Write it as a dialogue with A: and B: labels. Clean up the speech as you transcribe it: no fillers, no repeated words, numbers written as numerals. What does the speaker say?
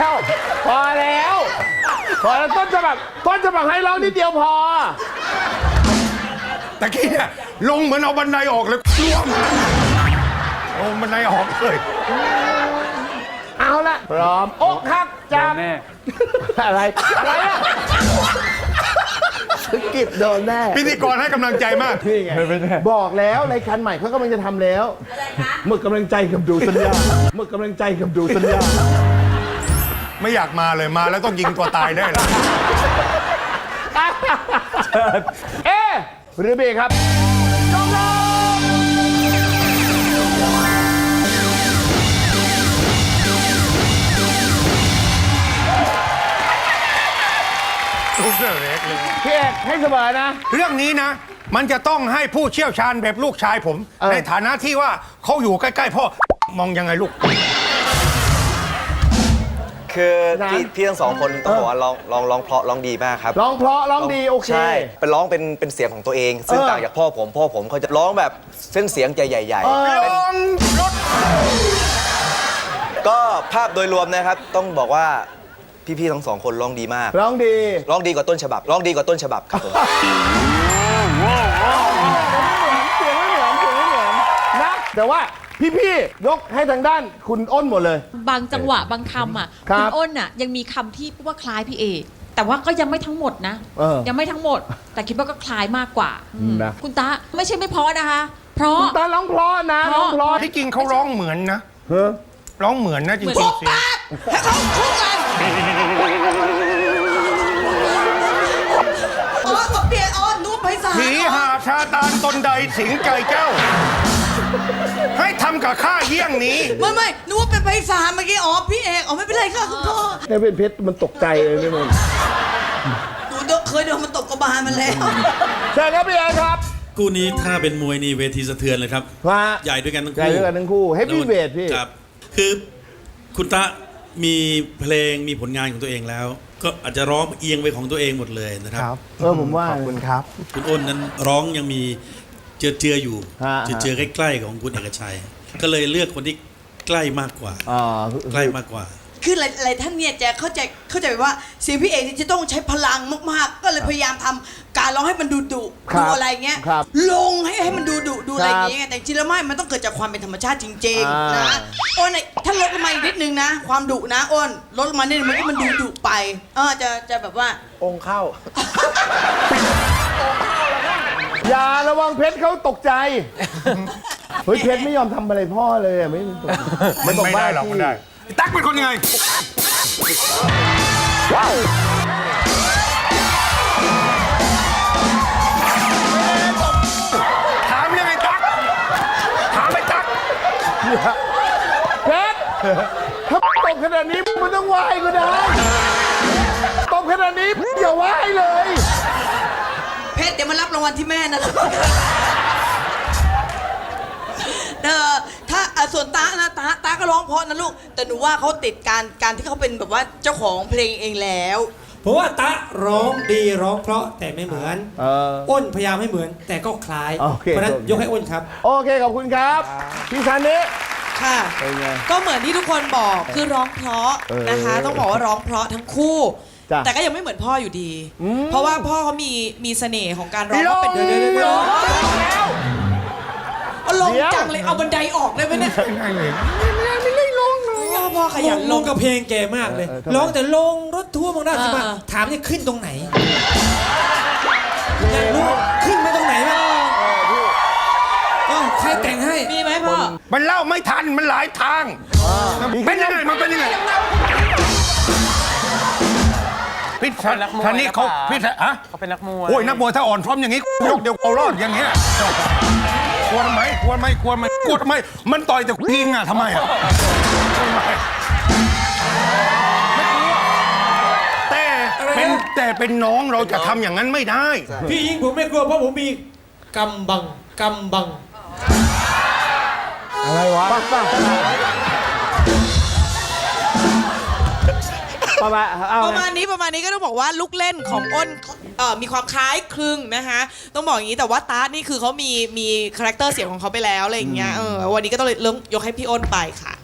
A: แล้วพอแล้วต้นฉบับให้ร้องนิดเดียวพอ
B: ตะกี้เนี่ยลงเหมือนเอาบันไดออกเลยร่วมลงบันไดออกเลย
A: เอาละพร้อมอกหักจากอะไรอะสกิปโดนแน่
B: พิธีกรให้กำลังใจมาก
A: นี่ไงบอกแล้วรายการใหม่เขากำลังจะทำแล้วหมึกกำลังใจกับดูสัญญา
B: ไม่อยากมาเลยมาแล้วต้องยิงตัวตายได้เลย
A: เอหรือบีครับจงลงพี่เอกให้เสมอนะ
B: เรื่องนี้นะ มันจะต้องให้ผู้เชี่ยวชาญแบบลูกชายผม ในฐานะที่ว่าเขาอยู่ใกล้ๆพ่อมองยังไงลูก
C: คือพี่ทั้งสองคนต้องบอกว่าร้องเพราะร้องดีมากครับ
A: ร้องเพราะร้องดีโอเค
C: ใช่เป็นร้องเป็นเสียงของตัวเอง ซึ่งต่างจากพ่อผมเขาจะร้องแบบเส้นเสียงใหญ่ๆก็ภาพโดยรวมนะครับต้องบอกว่าพี่ๆทั้งสองคนร้องดีมากร้องดีกว่าต้นฉบับครับผม
A: เสียงไม่เหมือนนะแต่ว่าพี่ยกให้ทางด้านคุณอ้นหมดเลย
D: บางจังหวะบางคำอ่ะ
A: ครั
D: คุ
A: บ
D: ณอ้นอ่ะยังมีคำที่ว่าคล้ายพี่เอแต่ว่าก็ยังไม่ทั้งหมดนะยังไม่ทั้งหมด แต่คิดว่าก็คล้ายมากกว่าคุณตาไม่ใช่ไม่เพราะนะคะ เพราะ
A: คุณตาร้องเพราะนะร้องเพราะ
B: ที่จริงเขาร้องเหมือนนะร้องเหมือนนะจริงๆเสียง
E: ให้เขาคู่กันอ๋อต้องเปลี่ยนอ๋อนุ่มไพศาล
B: ผีหาชาตานตนใดสิงไก่เจ้า ให้ทำกับข้าเยี่ยงนี้
E: ไม่นึกว่าเป็นไพศาลเมื่อกี้อ๋อพี่เอกอ๋อไม่เป็นไรค่ะคุณพ่อ
A: เนี่ยเป็นเพชรมันตกใจเลยนี่มัน
E: หนูเคยโดนมันตบกระบาลมันแล้ว
A: ใช่ครับพี่เอครับ
F: คู่นี้ถ้าเป็นมวยนี่เวทีสะเทือนเลยครับ
A: ว่า
F: ใหญ่ด้วยกันทั้ง
A: ใหญ่
F: คู่
A: ด้วยกันทั้งคู่ Heavy Weight พี่
F: ครับคือคุณตะมีเพลงมีผลงานของตัวเองแล้ว ก็อาจจะร้องเอียงไปของตัวเองหมดเลยนะครับ
A: ผมว่าขอบคุณครับ
F: คุณอ้นนั้นร้องยังมีเจืออยู่
A: ฮะ
F: เจือใกล้ๆของคุณเอกชัย ก็เลยเลือกคนที่ใกล้มากกว่าใกล้มากกว่า
E: คือหลายท่านเนี่ยจะเข้าใจว่าเสียงพี่เอกจะต้องใช้พลังมากๆก็เลยพยายามทำการร้องให้มันดูอะไรเงี้ยลงให้มันดูอะไรอย่างเงี้ยแต่จริงแล้วไม่มันต้องเกิดจากความเป็นธรรมชาติจริงๆนะอ้นถ้าลดลงมาอีกนิดนึงนะความดุนะอ้นลดลงมานิดนึงมันดุไปจะแบบว่า
C: องค์เข้า
A: อย่าระวังเพชรเขาตกใจเฮ้ยเพชรไม่ยอมทำอะไรพ่อเลยไม่
B: ได้หรอกมันได้ตั๊กเป็นคนยังไงถามยังไงตั๊กถามไปตั๊ก
A: เพชรถ้าตกขนาดนี้มันต้องไหว้ก็ได้ตกขนาดนี้อย่าไหว้เลย
E: เพชรเดี๋ยวมารับรางวัลที่แม่นะถ้าส่วนตานะตาก็ร้องเพราะนะลูกแต่หนูว่าเขาติดการที่เขาเป็นแบบว่าเจ้าของเพลงเองแล้ว
G: เพราะว่าตะร้องดีร้องเพราะแต่ไม่เหมือนอ้นพยายามให้เหมือนแต่ก็คล้ายเพราะนั้นยกให้อ้นครับ
A: โอเคขอบคุณครับพี่ซันนี่
H: ค่ะก็เหมือนที่ทุกคนบอกคือร้องเพราะนะคะต้องบอกว่าร้องเพราะทั้งคู่แต่ก็ยังไม่เหมือนพ่ออยู่ดีเพราะว่าพ่อเขามีเสน่ห์ของการร้องเป็นร้องแล้วเอาลงจังเลยเอาบันไดออกได้ไหมเนี่ยไม่ได้ลงพ่อขยัน
G: ลงกับเพลงแกมากเลยร้องแต่ลงรถทัวร์บางด้านสิมาถามเนี่ยขึ้นตรงไหนอยากรู้ขึ้นไปตรงไหนบ้างใครแต่งให้
H: มีไหมพ่อ
B: มันเล่าไม่ทันมันหลายทางเป็นยังไงมันเป็นยังไงพี่ท่านนี้เขาพี่
I: เขาเป็นนักมวย
B: โอ้ยนักมวยถ้าอ่อนพร้อมอย่างนี้ยกเดียวเอารอดอย่างเงี้ยกลัวทำไมกลัวทำไมมันต่อยแต่ยิงอ่ะทำไมอ่ะแต่เป็นน้องเราจะทำอย่างนั้นไม่ได้
G: พี่ยิงผมไม่กลัวเพราะผมมีกำบัง
A: อะไรวะ
H: ประมาณนี้ก็ต้องบอกว่าลูกเล่นของอ้นมีความคล้ายคลึงนะคะต้องบอกอย่างนี้แต่ว่าตาร์ทนี่คือเขามีคาแรคเตอร์เสียงของเขาไปแล้วอะไรอย่างเงี้ยวันนี้ก็ต้องเลยยกให้พี่อ้นไปค่ะ